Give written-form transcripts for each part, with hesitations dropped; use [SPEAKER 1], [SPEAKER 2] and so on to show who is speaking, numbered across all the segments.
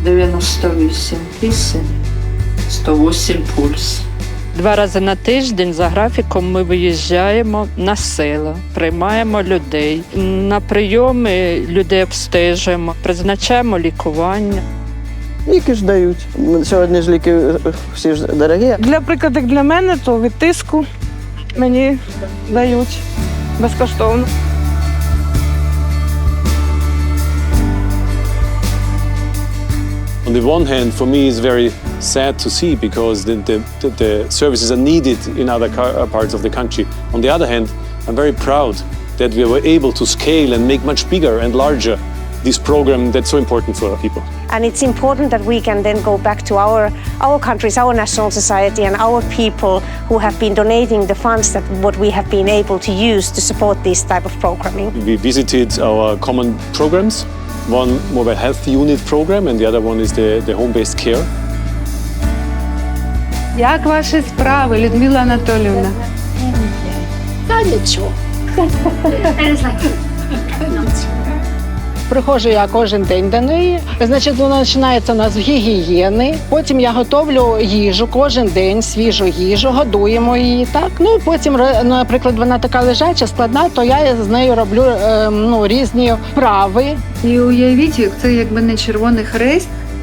[SPEAKER 1] 98 кисень, 108 пульс.
[SPEAKER 2] 2 рази на тиждень за графіком ми виїжджаємо на села, приймаємо людей. На прийоми людей обстежуємо, призначаємо лікування.
[SPEAKER 3] Ліки ж дають. Сьогодні ж ліки всі ж дорогі.
[SPEAKER 4] Для прикладу, для мене, то від тиску мені дають безкоштовно.
[SPEAKER 5] On the one hand, for me, it's very sad to see because the services are needed in other parts of the country. On the other hand, I'm very proud that we were able to scale and make much bigger and larger this program that's so important for our people.
[SPEAKER 6] And it's important that we can then go back to our countries, our national society and our people who have been donating the funds that what we have been able to use to support this type of programming.
[SPEAKER 5] We visited our common programs, one mobile health unit program and the other one is the home-based care.
[SPEAKER 7] Як ваші справи, Людмила Анатоліївна?
[SPEAKER 8] Та нічого.
[SPEAKER 9] Приходжу я кожен день до неї. Значить, вона починається у нас з гігієни. Потім я готовлю їжу кожен день, свіжу їжу, годуємо її. Так. Ну, потім, наприклад, вона така лежача, складна, то я з нею роблю різні вправи.
[SPEAKER 7] І уявіть, це якби не Червоний Хрест,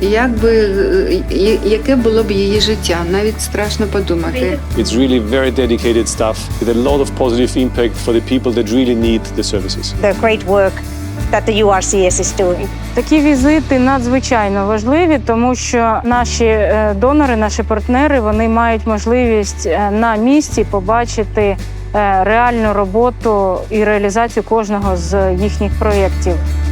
[SPEAKER 7] яке було б її життя. Навіть страшно подумати.
[SPEAKER 5] It's really very dedicated staff with a lot of positive impact for the people that really need the services.
[SPEAKER 6] The great work that the URCS is doing.
[SPEAKER 4] Такі візити надзвичайно важливі, тому що наші донори, наші партнери, вони мають можливість на місці побачити реальну роботу і реалізацію кожного з їхніх проєктів.